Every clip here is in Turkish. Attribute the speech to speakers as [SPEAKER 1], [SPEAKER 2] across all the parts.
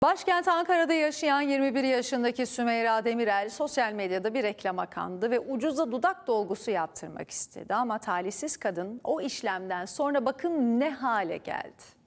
[SPEAKER 1] Başkent Ankara'da yaşayan 21 yaşındaki Sümeyra Demirel sosyal medyada bir reklama kandı ve ucuza dudak dolgusu yaptırmak istedi. Ama talihsiz kadın o işlemden sonra bakın ne hale geldi.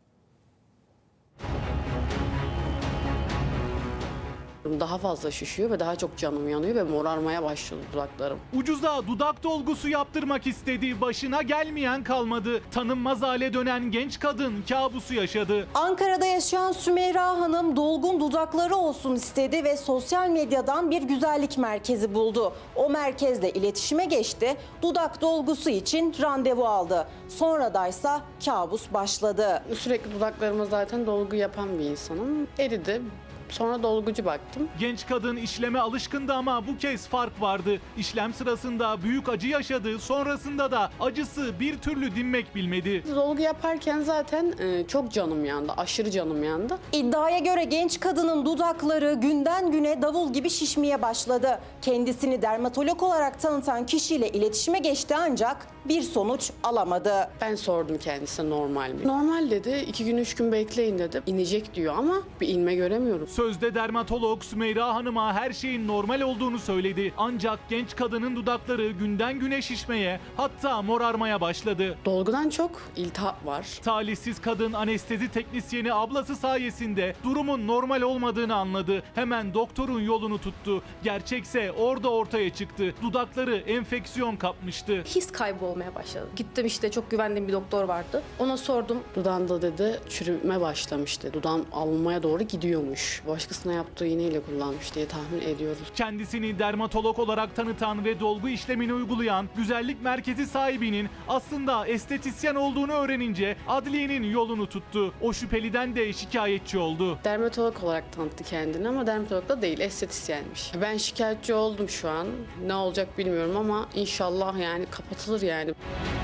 [SPEAKER 2] Daha fazla şişiyor ve daha çok canım yanıyor ve morarmaya başladı dudaklarım.
[SPEAKER 3] Ucuza dudak dolgusu yaptırmak istedi. Başına gelmeyen kalmadı. Tanınmaz hale dönen genç kadın kabusu yaşadı.
[SPEAKER 4] Ankara'da yaşayan Sümeyra Hanım dolgun dudakları olsun istedi ve sosyal medyadan bir güzellik merkezi buldu. O merkezle iletişime geçti, dudak dolgusu için randevu aldı. Sonradaysa kabus başladı.
[SPEAKER 2] Sürekli dudaklarıma zaten dolgu yapan bir insanım. Eridi. Sonra dolgucu baktım.
[SPEAKER 3] Genç kadın işleme alışkındı ama bu kez fark vardı. İşlem sırasında büyük acı yaşadı. Sonrasında da acısı bir türlü dinmek bilmedi.
[SPEAKER 2] Dolgu yaparken zaten çok canım yandı. Aşırı canım yandı.
[SPEAKER 4] İddiaya göre genç kadının dudakları günden güne davul gibi şişmeye başladı. Kendisini dermatolog olarak tanıtan kişiyle iletişime geçti ancak bir sonuç alamadı.
[SPEAKER 2] Ben sordum kendisine normal mi? Normal dedi. 2 gün 3 gün bekleyin dedi. İnecek diyor ama bir inme göremiyorum.
[SPEAKER 3] Sözde dermatolog Sümeyra Hanım'a her şeyin normal olduğunu söyledi. Ancak genç kadının dudakları günden güne şişmeye, hatta morarmaya başladı.
[SPEAKER 2] Dolgudan çok iltihap var.
[SPEAKER 3] Talihsiz kadın anestezi teknisyeni ablası sayesinde durumun normal olmadığını anladı. Hemen doktorun yolunu tuttu. Gerçekse orada ortaya çıktı. Dudakları enfeksiyon kapmıştı.
[SPEAKER 5] His kaybı olmaya başladı. Gittim işte çok güvendiğim bir doktor vardı. Ona sordum.
[SPEAKER 2] Dudağında dedi çürüme başlamıştı. Dudağım alınmaya doğru gidiyormuş. Başkasına yaptığı iğneyle kullanmış diye tahmin ediyoruz.
[SPEAKER 3] Kendisini dermatolog olarak tanıtan ve dolgu işlemini uygulayan güzellik merkezi sahibinin aslında estetisyen olduğunu öğrenince adliyenin yolunu tuttu. O şüpheliden de şikayetçi oldu.
[SPEAKER 2] Dermatolog olarak tanıttı kendini ama dermatolog da değil, estetisyenmiş. Ben şikayetçi oldum şu an. Ne olacak bilmiyorum ama inşallah yani kapatılır yani.